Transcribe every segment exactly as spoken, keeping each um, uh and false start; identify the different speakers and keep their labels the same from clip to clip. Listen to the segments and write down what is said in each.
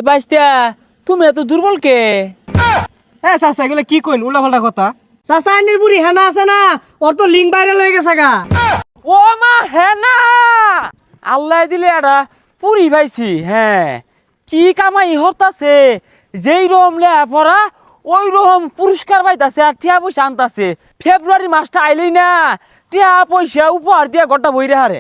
Speaker 1: বাইস্তা তুমি এত দুর্বল কে?
Speaker 2: হ্যাঁ চাচা এগুলো কি কইন উল্টা পাল্টা কথা।
Speaker 3: চাচা আন্ডির বুড়ি হেনা আছে না, ওর তো লিঙ্ক ভাইরাল হয়ে গেছে গা।
Speaker 1: ও মা হ্যাঁ না, আল্লাহ দিলে এটা পুরি পাইছি। হ্যাঁ কি কামাই হতাছে, যেই রকম লেয়া পড়া ওই রকম পুরস্কার পাইতাছে আর টিয়া পয়সা আনতাছে। ফেব্রুয়ারি মাসটা আইলেই না টিয়া পয়সা উপহার দিয়া গোটা বইরে হারে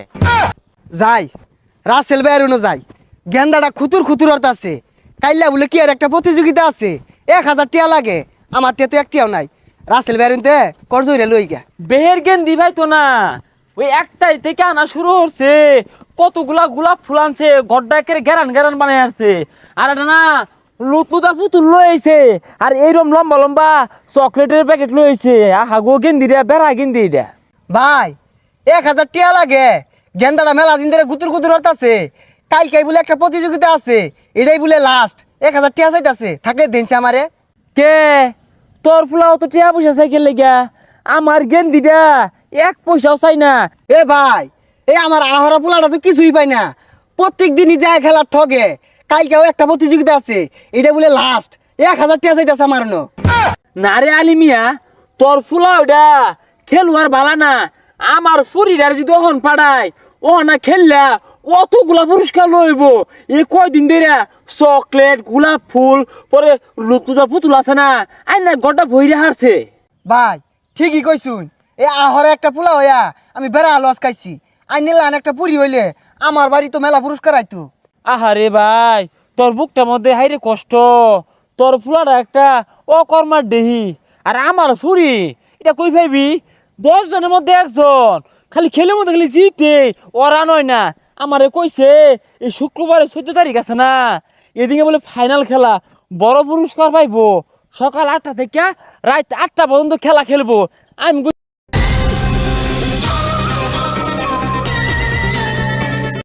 Speaker 4: যাই রাসেল বেরুনো যাই, গেন্দাটা খুতুর খুতুর অর্থ আছে। কাইলা বলে কি আর একটা প্রতিযোগিতা আছে, এক হাজার টিয়া লাগে, আমার টিয়া তো একটিয়াও নাই। রাসেল বেরুনতে করজইরে লই গা।
Speaker 1: বেহের গেন্দি ভাই তো না, ওই একটাই থেকে আনা শুরু হচ্ছে, কতগুলা গোলাপ ফুল আনছে, গড্ডাকের গেরান গেরান বানাই আসছে। আর এটা না লুতুদা পুতুল লইছে, আর এইরকম লম্বা লম্বা চকলেটের প্যাকেট লইছে। আহা গো গেন্দি রে, বেড়া গেন্দি এটা।
Speaker 4: ভাই এক হাজার টিয়া লাগে, গেন্দাটা মেলা দিন ধরে গুতুর গুতুর অর্থ আছে। কালকাই বলে একটা প্রতিযোগিতা আছে, এটাই বলে লাস্ট। এক হাজার টিয়া চাইতাছে, থাকে দিনছে আমারে।
Speaker 1: কে তোর ফুলাও তো টিয়া পয়সা সাইকেল লেগা, আমার গেন্দিটা এক পয়সাও চাই না।
Speaker 4: এ ভাই এই আমার আহরা পোলাটা তো কিছুই পাই না, প্রত্যেক দিনই যায় খেলার ঠগে। কালকেও একটা প্রতিযোগিতা আছে, এটা বলে লাস্ট, এক হাজার টিয়া চাইতাছে আমার ন।
Speaker 1: না রে আলিমিয়া, তোর ফুলা ওটা খেলুয়ার বালা না, আমার ফুরিটার যদি ওহন পাড়ায় ও না খেললা অতগুলা পুরস্কার লইব। এই কয়দিন ধরে চকলেট গোলাপ ফুল পরে লুতুদা পুতুল আছে না, আই না গড্ডা ভইরে হারছে।
Speaker 4: ভাই ঠিকই কইছুন, এই আহরে একটা পোলা হইয়া আমি বেড়া লস খাইছি। আইনিলান একটা পুরি হইলে আমার বাড়ি তো মেলা পুরস্কার আইতো।
Speaker 1: আহারে ভাই তোর বুকটার মধ্যে হাইরে কষ্ট, তোর ফুলাটা একটা অকর্মার দেহি, আর আমার ফুরি এটা কই ভাবি দশ জনের মধ্যে একজন, খালি খেলের মধ্যে খালি জিতে ওরা নয় না। আমারে কইছে এই শুক্রবারে চোদ্দ তারিখ আছে না, এদিকে বলে ফাইনাল খেলা, বড় পুরস্কার পাইবো। সকাল আটটা থেকে রাত আটটা পর্যন্ত খেলা খেলবো। আমি